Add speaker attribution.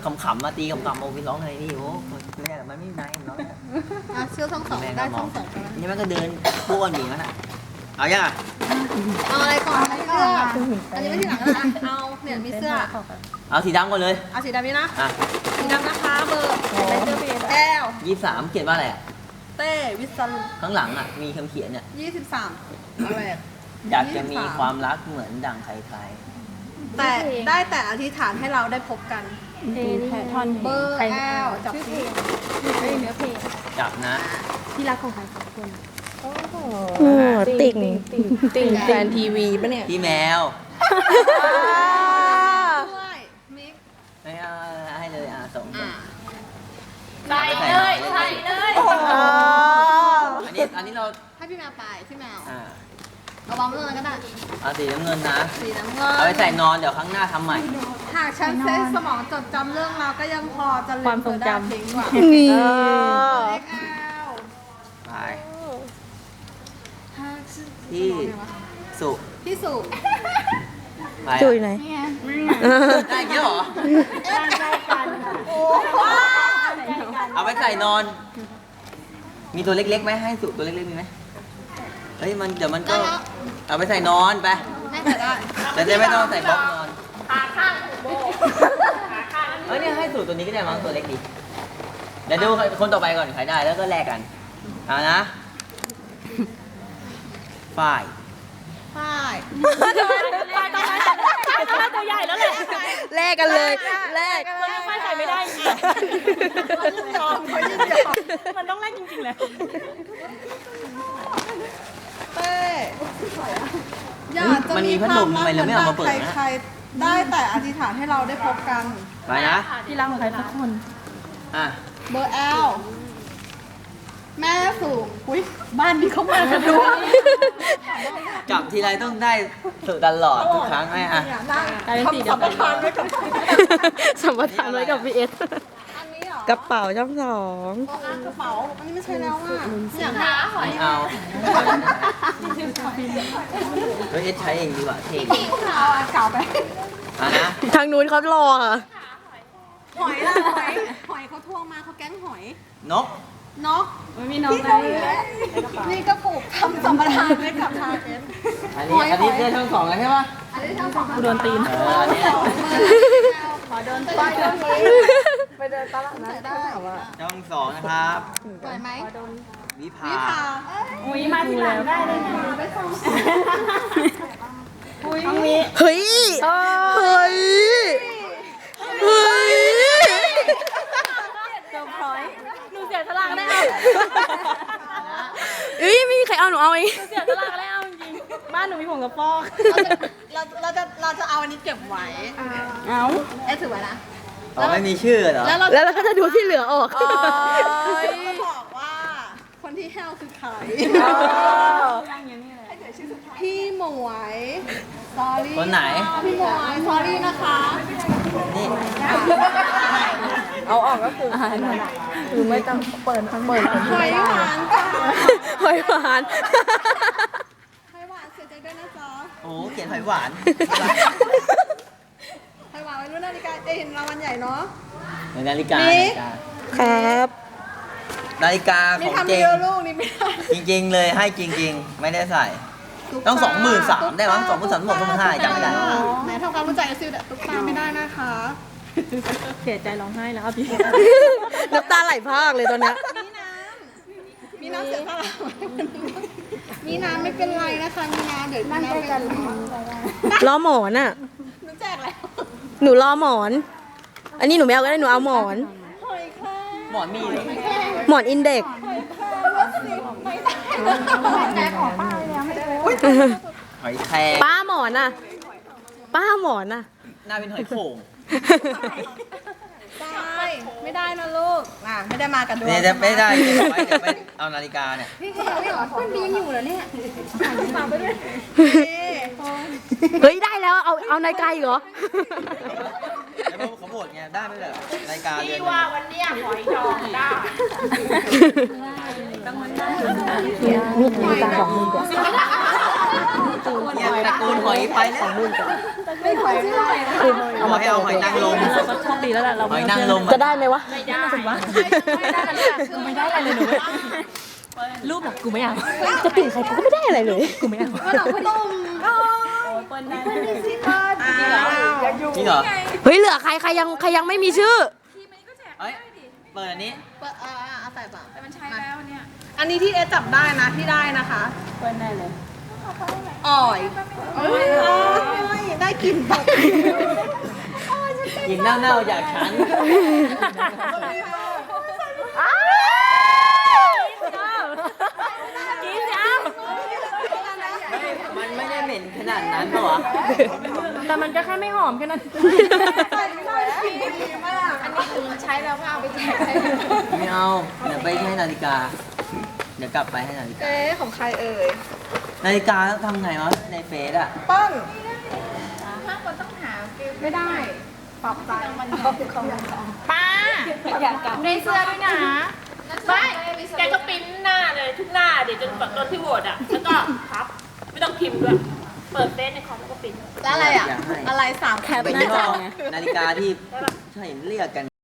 Speaker 1: ขำๆมาตีขำๆโอ้พี่ร้องเลยนี่โอ้แม่มันไม่ได้ร้อง
Speaker 2: เชื่อช่องสองได้ช่องสอง
Speaker 1: นี่มันก็เดินป้วนอยู่นั่นน่ะเอายังอ่ะ
Speaker 2: เอาอะไรก่อนเสื้ออันนี้ไม่ที่หลังนะเอาเนี่ยมีเสื้อ
Speaker 1: เอาสีดำก่อนเลย
Speaker 2: เอาสีดำนี้นะ
Speaker 1: อ่ะ
Speaker 2: สีดำนะคะเบอร์แก้ว
Speaker 1: 23เขียนว่าอะไรอ่ะ
Speaker 2: เต้วิสัน
Speaker 1: ข้างหลังอ่ะมีคำเขียนเนี่ย
Speaker 2: 23อะไร
Speaker 1: อยากจะมีความรักเหมือนดั่งใคร
Speaker 2: แต่ได้แต่อธิษฐานให้เราได้พบกัน
Speaker 3: ท่อน
Speaker 2: เบอร์แอลจับเพลงเนื้อเพลง
Speaker 1: ๆจับนะ
Speaker 3: ที่รักของใครสองคน
Speaker 4: ติ่งแฟนทีวีปะเนี่ย
Speaker 1: พี่แมว
Speaker 2: ด้วยมิก
Speaker 1: ไม่เอาให้เลยส่ง
Speaker 2: ใส่เลยใส่เลย
Speaker 1: อันนี้เรา
Speaker 2: ให้พี่แมวไปพี่แมว
Speaker 1: อ่า
Speaker 2: เอาวางไว้ตรงนั้นก็ได้
Speaker 1: เอาสีน้ำเงินนะ
Speaker 2: สีน้ำเงิน
Speaker 1: เอาไปใส่นอนเดี๋ยวครั้งหน้าทำใหม่
Speaker 2: หากฉันใช้สมองจดจำเรื่องราวก็ยังพอจะลืมเธอได้ทิ้งว่ะ
Speaker 4: นี่
Speaker 2: เล็กแอล
Speaker 1: ไปที่สุ
Speaker 2: พี่สุ
Speaker 1: ไป
Speaker 4: จุยไหน
Speaker 1: ได้เยอะเหรอ เอาไปใส่นอน มีตัวเล็กๆไหมให้สุตัวเล็กๆมีไหมเฮ้ยมันเดี๋ยวมันก็เอาไปใส่นอนไป
Speaker 2: แม่จะได้
Speaker 1: แต่จะไม่ต้องใส่บล็อกนอนขาข้างโบขาข้างเฮ้ยเนี่ยให้สูตรตัวนี้ก็ได้มั้งตัวเล็กดีเดี๋ยวดูคนต่อไปก่อนใครได้แล้วก็แลกกันเอานะฝ่าย
Speaker 2: ป้าย
Speaker 3: ตัวใหญ่แล้วแหละ
Speaker 4: แลกกันเลยแลก
Speaker 3: คนไม่ใส่ไม่ได้ไงมันต้องแลกจริงๆเลย
Speaker 2: เต้อยากจะมีความรักเหมือนดังใครๆได้แต่อธิษฐานให้เราได้พบกัน
Speaker 1: ไปนะ
Speaker 3: ที่รักของใครสักคน
Speaker 1: อ่ะ
Speaker 2: เบอร์แอลแม่สูงอุ้ยบ้านนี้เขามากันด้วย
Speaker 1: จับทีไรต้องได้สูตรตลอดทุกครั้งไหมอ่ะ
Speaker 3: กลายเป็นสีเดียวกัน
Speaker 4: สัมปทานไว้กับพีเอส
Speaker 2: อันนี้เหรอก
Speaker 4: ระเป๋าช่องสอง
Speaker 2: กระเป๋าอันนี้ไม่ใช่แล้วอ่ะอยากหาหอย
Speaker 1: ไม่เอาเฮ้ยเอสใช้เองดีกว่าเท่ดี
Speaker 2: เอาอันเก่าไป
Speaker 4: ทางนู้นเขารอค่ะ
Speaker 2: หอยล่ะหอยเขาทวงมาเขาแก๊งหอย
Speaker 1: นก
Speaker 2: เนาะ
Speaker 3: ไม่มีน้อง
Speaker 2: พี่
Speaker 3: เล
Speaker 2: เขา
Speaker 3: ย
Speaker 2: นี่ก็ปลูกทำสัมปทานไว้กับทาเกน
Speaker 1: อันนี้ได้ทั้งสองแล้วใช่ปะ
Speaker 2: อันนี้ทั้งสอง
Speaker 3: กูโดนตีน
Speaker 1: อันนี้
Speaker 2: ขอเดินไปเดินไปเดินตลาดนัดได้
Speaker 1: ช่องสองนะครับ
Speaker 2: ปล่อยไหม
Speaker 1: วิภา
Speaker 2: พี่พา
Speaker 3: อุ้ยมาทีหลังได้เลยนะ
Speaker 2: ไปส่ง
Speaker 3: ต้องมี
Speaker 4: เฮ้ย เฮ้ย เฮ้ย
Speaker 3: เซอร์ไพรส์หนูเสียสละได้เอา
Speaker 4: เอ้ยไม่มีใครเอาหนูเอาเอง
Speaker 3: เสียสละได้เอาจริงๆบ้านหนูมีผงกระปอก
Speaker 2: เราจะเอาอันนี้เก็บไว้
Speaker 3: เอา
Speaker 2: เอ๊ะถือไว้นะ
Speaker 1: เราไม่มีชื่อเหรอ
Speaker 2: แล้วเรา
Speaker 4: แล้วเราก็จะดูที่เหลือออก
Speaker 2: ก็บอกว่าคนที่แห้วคือใครพี่หมวยสอรี่
Speaker 1: คนไหน
Speaker 2: พี่หมวยสอรี่นะคะ
Speaker 1: นี่
Speaker 4: เอาออกก็คือคือไม่ต้องเปิดทั้งเปิด
Speaker 2: หอยหวานจ้า
Speaker 4: หอยหวาน
Speaker 2: หอยหวานเสียใจด้วยนะจ๊ะ
Speaker 1: โอ้เขียนหอยหวาน
Speaker 2: หอยหวานไว้รุ่นนาฬิกาจะเห็นรางวัลใหญ่เนาะ
Speaker 1: นาฬิกา
Speaker 2: นี่
Speaker 4: ครับ
Speaker 1: นาฬิกา
Speaker 2: นี่
Speaker 1: ของ
Speaker 2: ทำ
Speaker 1: จริ
Speaker 2: เดี
Speaker 1: ง
Speaker 2: ยวลูกนี่ไม่ได้
Speaker 1: จริงๆเลยให้จริง ๆ ไม่ได้ใส่ ต้อง23,000ได้มั้ง23,000บอก25,000จำไม่ได้
Speaker 2: ไหนทำความรู้จักกับซิลแต่ตุ๊กตาไม่ได้นะคะ
Speaker 3: เสียใจร้องไห้แล้วพี่
Speaker 4: น้ำตาไหลพรากเลยตอนเนี้ย
Speaker 2: มีน้ำเสียสละมีน้ำไม่เป็นไรนะคะมีน้ำเดี๋ยวมีน้ำเป็น
Speaker 4: รอหมอนอ่ะ
Speaker 2: หนูแจกแล้ว
Speaker 4: หนูรอหมอน อันนี้หนูไม่เอาก็ได้หนูเอาหมอน
Speaker 2: หอยแครง
Speaker 1: หมอนมีเลย
Speaker 4: หมอนอินเด็กซ์
Speaker 2: หอยแครงวัสดุไม่ได้แจกของป้าเลยแล้วไม่ได้
Speaker 1: หอยแครง
Speaker 4: ป้าหมอนอ่ะ ป้าหมอนอ่ะ
Speaker 1: หน้าเป็นหอยโข่ง
Speaker 2: ได้ไม่ได้นะลูกไม่ได้มากันด้วย
Speaker 1: เนี่ยจะไม่ได้เก็บไว้เดี๋ยวไปเอานาฬิกาเนี่ย
Speaker 2: พี่เหรอมันดีอยู่แล้วเนี่ยฝากไปด้วย
Speaker 4: เฮ้ยได้แล้วเอานาฬิกาอีกเหรอ
Speaker 1: แล้วเขาโหวตไงได้ไหมแบบนาฬิกาเดือน
Speaker 3: ว่าวันเนี้ยหอยดองได้
Speaker 4: มีตาสองมือกว่า
Speaker 1: เนี่ยตระกูลหอยไปแล้ว
Speaker 2: ไม่หอยไม่ได้
Speaker 1: เอามาให้เอาหอยนางรม
Speaker 3: เราก็โชคดีแล้วแหละเรา
Speaker 1: หอยนางรม
Speaker 4: จะได้ไหมวะ
Speaker 3: ไม่ได้กูไม่ได้อะไรเลยหนูรูปแบบกูไม่เอา
Speaker 4: จะติ่งใครกูก็ไม่ได้อะไรเลย
Speaker 3: กูไม่เอา
Speaker 2: ว่าเราไม่ต้อง
Speaker 3: เปิ้ลได้
Speaker 1: จริงเหรอ
Speaker 4: เฮ้ยเหลือใครยังไม่มีชื่อ
Speaker 1: เฮ้ยเปิดอันนี้
Speaker 2: เอาใส่ป่ะแต่มันใช้แล้วเนี่ย อันนี้ที่เอจับได้นะที่ได้นะคะ
Speaker 3: เปิ้ลได้เลย
Speaker 2: อ่อยได้กลิ่นแบบ
Speaker 1: ยิงเน่าๆจากฉัน
Speaker 3: กินจ้า
Speaker 1: มันไม่ได้เหม็นขนาดนั้นหรอ
Speaker 3: แต่มันก็แค่ไม่หอมแค่นั้น
Speaker 2: ใช้แล้วก็เอาไปแจก
Speaker 1: ไม่เอา เดี๋ยวไปให้นาฬิกา เดี๋ยวกลับไปให้นาฬิกา
Speaker 2: เอ๊ะของใครเอ่ย
Speaker 1: นาฬิกาทำไงวะในเฟซอะ
Speaker 2: ปั้นไม่ได้ปรับใจ
Speaker 3: ป้าได้เสื้อด้วยนะไม่แกก็ปริ้นหน้าเลยทุกหน้าเดี๋ยวจนตอนที่โหวตอ่ะ แล้วก็พับ ไม่ต้องพิมพ์ด้วย เปิดเฟซในคอมแล้วก็ปริ้น
Speaker 2: แล้วอะไรอ่ะ อะไร3
Speaker 1: เป็นยี่ห้อนาฬิกาที่ใช่เรียกกัน